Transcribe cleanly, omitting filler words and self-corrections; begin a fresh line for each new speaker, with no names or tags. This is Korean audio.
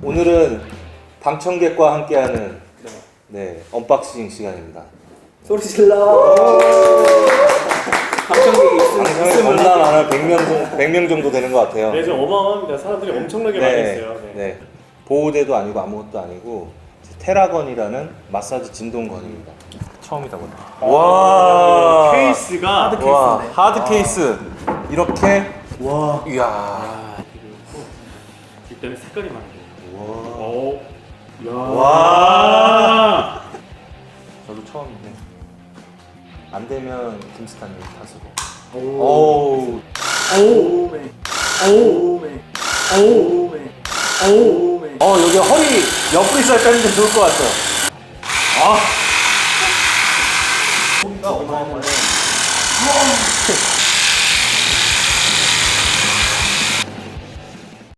오늘은 방청객과 함께하는 언박싱 시간입니다.
소리 질러. 방청객이
방청객 겁나 많아요. 100명 정도 되는 것 같아요.
네, 좀 어마어마합니다. 사람들이 엄청나게 많이 있어요.
네. 보호대도 아니고 아무것도 아니고 테라건이라는 마사지 진동건입니다. 처음이다 보니. 와.
케이스가
하드
와,
케이스네.
하드 케이스. 이렇게.
와.
이야.
일단은 색깔이 많아요.
와.
오. 야.
와. 저도 처음인데. 안 되면 김스탄님 탓으로. 오.
오메. 오메. 오메. 오메.
여기 허리 옆구리살 빼는 게 좋을 것 같아요. 아.